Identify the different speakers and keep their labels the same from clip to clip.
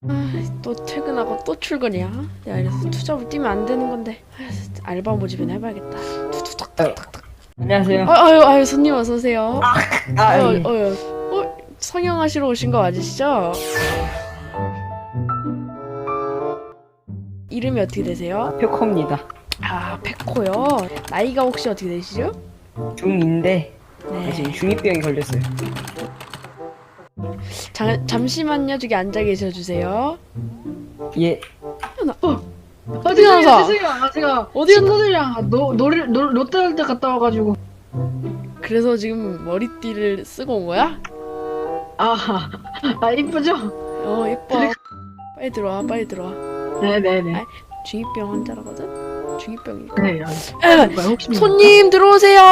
Speaker 1: 또 퇴근하고 또 출근이야. 야, 이래서 투잡을 뛰면 안 되는 건데. 알바 모집이나 해봐야겠다. 투투탁탁탁탁.
Speaker 2: 안녕하세요.
Speaker 1: 아유, 손님 어서 오세요.
Speaker 2: 예.
Speaker 1: 성형하시러 오신 거 맞으시죠? 이름이 어떻게 되세요?
Speaker 2: 표코입니다.
Speaker 1: 아, 페코요. 나이가 혹시 어떻게 되시죠?
Speaker 2: 중2인데
Speaker 1: 네.
Speaker 2: 지금 중2병이 걸렸어요.
Speaker 1: 잠시만요. 저기 앉아 계셔 주세요.
Speaker 2: 예.
Speaker 1: 어디 가서?
Speaker 3: 죄송해요. 제가
Speaker 1: 어디
Speaker 3: 친구들이랑 롯데월드 갔다 와가지고.
Speaker 1: 그래서 지금 머리띠를 쓰고 온 거야?
Speaker 3: 이쁘죠?
Speaker 1: 예뻐. 빨리 들어와, 빨리 들어와.
Speaker 3: 네네네.
Speaker 1: 중2병 환자라거든? 중2병이니까.
Speaker 3: 네. 혹시
Speaker 1: 손님 들어오세요.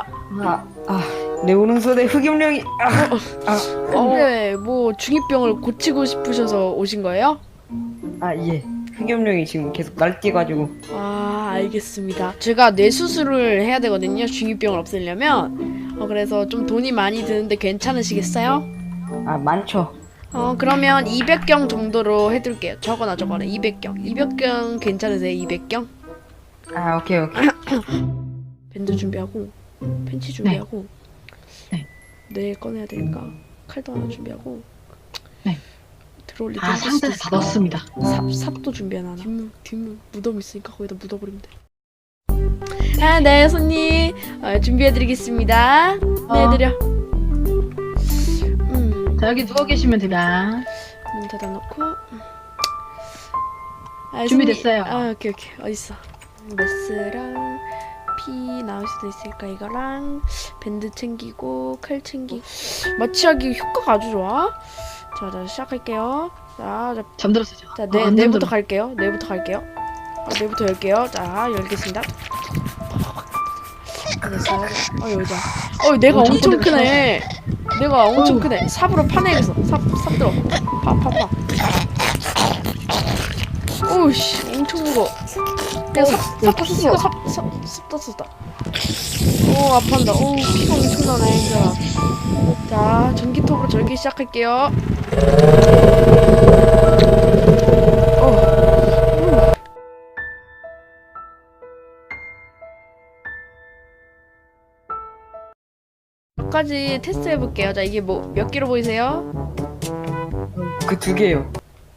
Speaker 2: 내 오른손에 흑염룡이.
Speaker 1: 네, 뭐 중2병을 고치고 싶으셔서 오신 거예요?
Speaker 2: 예. 흑염룡이 지금 계속 날뛰가지고.
Speaker 1: 알겠습니다. 제가 뇌 수술을 해야 되거든요. 중2병을 없애려면. 그래서 좀 돈이 많이 드는데 괜찮으시겠어요?
Speaker 2: 많죠.
Speaker 1: 그러면 200경 정도로 해둘게요. 적어놔. 200경. 200경 괜찮으세요? 200경?
Speaker 2: 오케이.
Speaker 1: 밴드 준비하고, 펜치 준비하고, 네 꺼내야 되니까 칼도 하나 준비하고,
Speaker 3: 네.
Speaker 1: 들어올릴 때
Speaker 3: 상자에 다 넣었습니다.
Speaker 1: 삽도 준비해놔. 뒷문 무덤 있으니까 거기다 묻어버리면 돼. 네, 손님 준비해드리겠습니다. 네, 드려.
Speaker 3: 자, 여기 누워 계시면 됩니다.
Speaker 1: 문 닫아놓고.
Speaker 3: 준비됐어요.
Speaker 1: 오케이. 어딨어? 메스랑 피 나올 수도 있으니까 이거랑 밴드 챙기고 칼 챙기고. 마취하기 효과가 아주 좋아. 자, 시작할게요. 자,
Speaker 3: 잠들었어요.
Speaker 1: 자, 내부터 갈게요. 내부터 열게요. 자, 열겠습니다. 됐어요. 여자. 내가 엄청 크네. 내가 엄청 크네. 삽으로 파내겠어. 삽 들어. 파. 오우씨, 엄청 무거워. 내가 삽 떴었다. 오, 아파한다. 오, 피가 엄청 나네, 이 사람. 자, 전기톱으로 절기 시작할게요. 까지 테스트 해볼게요. 자, 이게 뭐 몇 개로 보이세요?
Speaker 2: 그 2개요.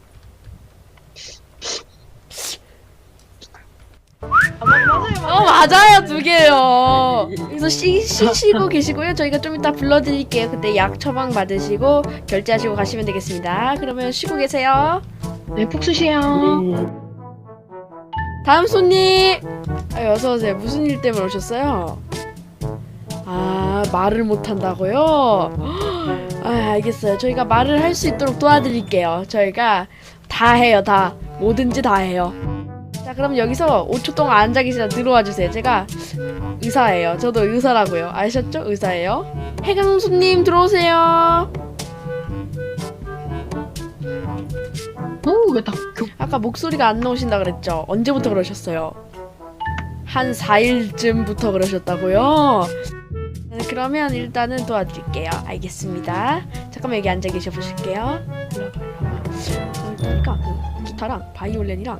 Speaker 1: 맞아요, 2개요. 그래서 쉬시고 계시고요. 저희가 좀 이따 불러드릴게요. 그때 약 처방 받으시고 결제하시고 가시면 되겠습니다. 그러면 쉬고 계세요.
Speaker 3: 네, 푹 쉬세요.
Speaker 1: 다음 손님. 어서 오세요. 무슨 일 때문에 오셨어요? 말을 못 한다고요? 알겠어요. 저희가 말을 할 수 있도록 도와드릴게요. 저희가 다 해요, 다. 뭐든지 다 해요. 자, 그럼 여기서 5초 동안 앉아 계시다 들어와 주세요. 제가 의사예요. 저도 의사라고요. 아셨죠? 의사예요. 해강수님 들어오세요.
Speaker 3: 왜 딱
Speaker 1: 아까 목소리가 안 나오신다 그랬죠? 언제부터 그러셨어요? 한 4일쯤부터 그러셨다고요? 그러면 일단은 도와드릴게요. 알겠습니다. 잠깐만 여기 앉아 계셔 보실게요. 그러니까 그 기타랑 바이올린이랑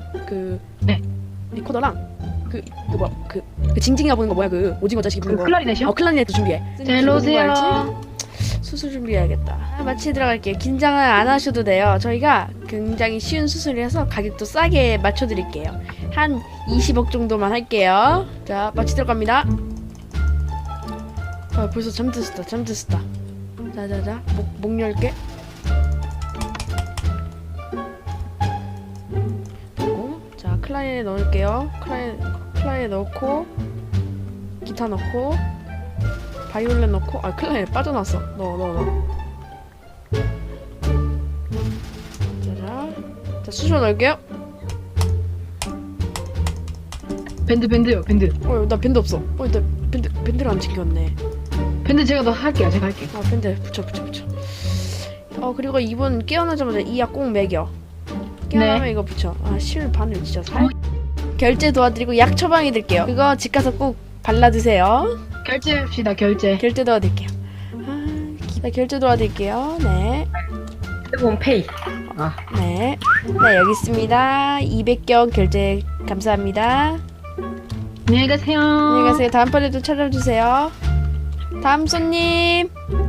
Speaker 1: 리코더랑 그 징징이가 보는 거 뭐야, 그 오징어 자식이 부는 거.
Speaker 3: 클라리넷이요?
Speaker 1: 클라리넷도 준비해.
Speaker 3: 자, 일로 오세요.
Speaker 1: 수술 준비해야겠다. 마취 들어갈게요. 긴장을 안 하셔도 돼요. 저희가 굉장히 쉬운 수술이라서 가격도 싸게 맞춰드릴게요. 한 20억 정도만 할게요. 자, 마취 들어갑니다. 벌써 잠드셨다. 자자자, 목 열게. 자, 클라리넷 넣을게요. 클라리넷 넣고, 기타 넣고, 바이올린 넣고. 클라리넷 빠져나왔어. 넣어. 자, 수저 넣을게요.
Speaker 3: 밴드요, 밴드.
Speaker 1: 나 밴드 없어. 나 밴드를 안 챙겼네.
Speaker 3: 밴드 제가 할게요.
Speaker 1: 밴드 붙여. 그리고 이분 깨어나자마자 이 약 꼭 먹여. 깨어나면 이거 붙여. 실 바늘 진짜 살. 결제 도와드리고 약 처방해드릴게요. 그거 집 가서 꼭 발라드세요.
Speaker 3: 결제합시다. 결제
Speaker 1: 도와드릴게요. 결제 도와드릴게요. 네.
Speaker 2: 핸드폰 페이. 아,
Speaker 1: 네. 네, 여기 있습니다. 200경 결제 감사합니다.
Speaker 3: 안녕히 가세요.
Speaker 1: 안녕히 가세요. 다음번에도 찾아주세요. 다음 손님.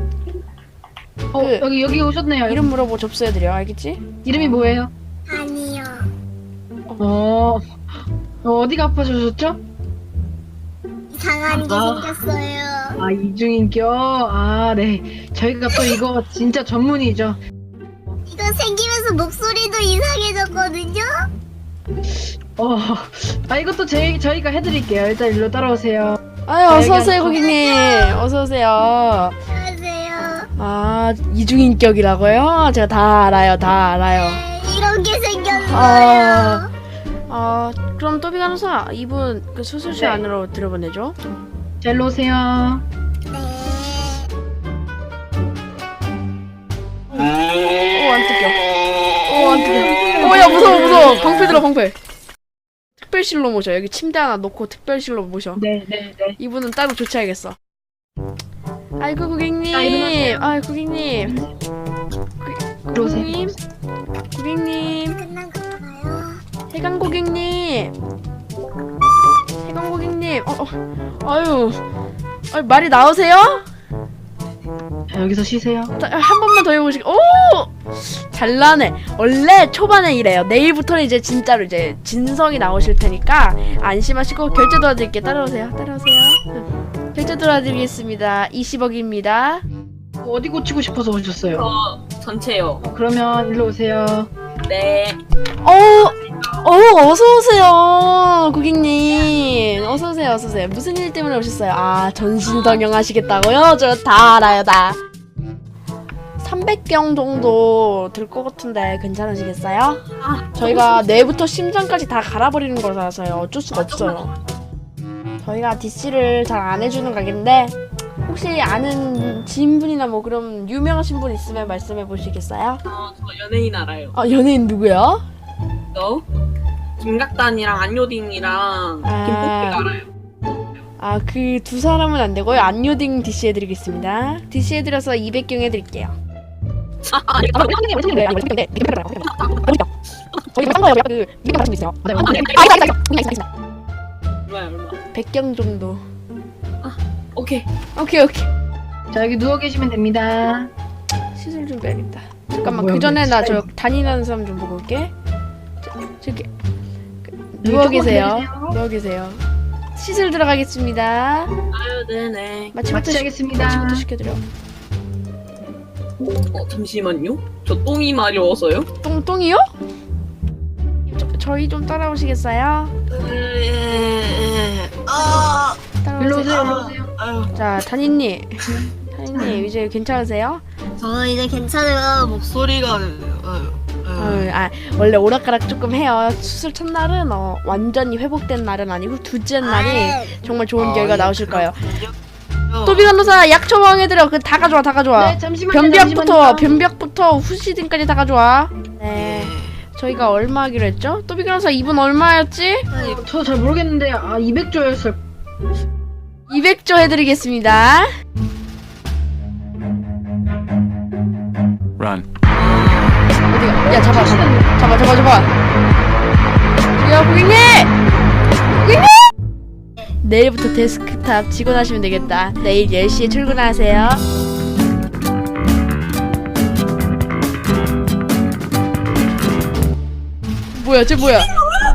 Speaker 1: 그-
Speaker 3: 여기 오셨네요.
Speaker 1: 이름 물어보고 접수해드려. 알겠지?
Speaker 3: 이름이 뭐예요?
Speaker 4: 아니요.
Speaker 3: 어디가 아파지셨죠?
Speaker 4: 이상한 게
Speaker 3: 아.
Speaker 4: 생겼어요.
Speaker 3: 아, 이중인격. 아, 네. 저희가 또 이거 진짜 전문이죠.
Speaker 4: 이거 생기면서 목소리도 이상해졌거든요.
Speaker 3: 이것도 저희가 해드릴게요. 일단 일로 따라오세요.
Speaker 1: 아유,
Speaker 3: 여기
Speaker 1: 어서오세요,
Speaker 3: 앉아.
Speaker 1: 고객님. 어서오세요.
Speaker 4: 안녕하세요.
Speaker 1: 아, 이중인격이라고요? 제가 다 알아요. 다 알아요.
Speaker 4: 네, 이런 게 생겼어요.
Speaker 1: 그럼 또비 간호사, 이분 그 수술실
Speaker 3: 네.
Speaker 1: 안으로 들어보내죠.
Speaker 3: 자, 일로 오세요.
Speaker 4: 네.
Speaker 1: 오, 안 뜯겨. 오, 안 뜯겨. 오, 야, 무서워. 방패 들어, 방패. 특별실로 모셔. 여기 침대 하나 놓고 특별실로 모셔.
Speaker 3: 네.
Speaker 1: 이분은 따로 조치하겠어. 아이고, 고객님.
Speaker 3: 자, 일어나세요.
Speaker 1: 아이, 고객님.
Speaker 3: 들어오세요.
Speaker 1: 고객님. 고객님.
Speaker 4: 끝난 건가요?
Speaker 1: 해강 고객님. 해강 고객님. 아유. 말이 나오세요?
Speaker 3: 자, 여기서 쉬세요.
Speaker 1: 한 번만 더 해보시고. 오! 잘나네. 원래 초반에 이래요. 내일부터는 이제 진짜로 이제 진성이 나오실 테니까 안심하시고 결제 도와드릴게요. 따라오세요. 결제 도와드리겠습니다. 20억입니다.
Speaker 3: 어디 고치고 싶어서 오셨어요?
Speaker 5: 전체요.
Speaker 3: 그러면 일로 오세요.
Speaker 5: 네.
Speaker 1: 어서오세요. 고객님. 어서오세요. 무슨 일 때문에 오셨어요? 아, 전신동영 하시겠다고요? 저 다 알아요, 다. 300경 정도 들 것 같은데 괜찮으시겠어요? 저희가 뇌부터 심장까지 다 갈아버리는 거라서요. 어쩔 수가 없어요. 저희가 DC를 잘 안 해주는 가게인데 혹시 아는 지인분이나 뭐 그럼 유명하신 분 있으면 말씀해 보시겠어요?
Speaker 5: 저 연예인 알아요.
Speaker 1: 연예인 누구요?
Speaker 5: 너? 김각단이랑 안요딩이랑
Speaker 1: 아.
Speaker 5: 김폭비가 알아요.
Speaker 1: 그 두 사람은 안 되고요. 안요딩 DC 해드리겠습니다. DC 해드려서 200경 해드릴게요.
Speaker 5: 얼마?
Speaker 1: 100경 정도.
Speaker 5: 오케이.
Speaker 1: 오케이.
Speaker 3: 자, 여기 누워 계시면 됩니다.
Speaker 1: 시술 좀 빼야겠다. 잠깐만,
Speaker 3: 뭐야,
Speaker 1: 그 전에 나 저
Speaker 3: 스타일.
Speaker 1: 다니는 사람 좀 보고 올게. 저기
Speaker 3: 여기
Speaker 1: 누워
Speaker 3: 조금
Speaker 1: 계세요.
Speaker 3: 기다리세요.
Speaker 1: 누워 계세요. 시술 들어가겠습니다.
Speaker 5: 아유, 네네.
Speaker 3: 마취하겠습니다.
Speaker 1: 마취부터 시켜드려.
Speaker 5: 잠시만요. 저 똥이 마려워서요.
Speaker 1: 똥이요? 저희 좀 따라오시겠어요?
Speaker 3: 일로 오세요.
Speaker 1: 따라오세요.
Speaker 3: 일로 오세요.
Speaker 5: 아유,
Speaker 1: 자, 다니님 이제 괜찮으세요?
Speaker 4: 저는 이제 괜찮아요.
Speaker 5: 목소리가.
Speaker 1: 원래 오락가락 조금 해요. 수술 첫날은 완전히 회복된 날은 아니고 둘째 날이 정말 좋은 결과 나오실 거예요. 또비 간호사 약 처방해드려. 그 다 가져와.
Speaker 3: 네, 잠시만요.
Speaker 1: 변벽부터 후시딘까지 다 가져와. 네. 저희가 얼마 하기로 했죠? 또비 간호사 이분 얼마였지?
Speaker 3: 저 잘 모르겠는데 200조였을.
Speaker 1: 200조 해드리겠습니다.
Speaker 6: Run.
Speaker 1: 어디가? 야, 잡아. 야, 고객님! 내일부터 데스크탑 직원하시면 되겠다. 내일 10시에 출근하세요. 뭐야, 쟤 뭐야?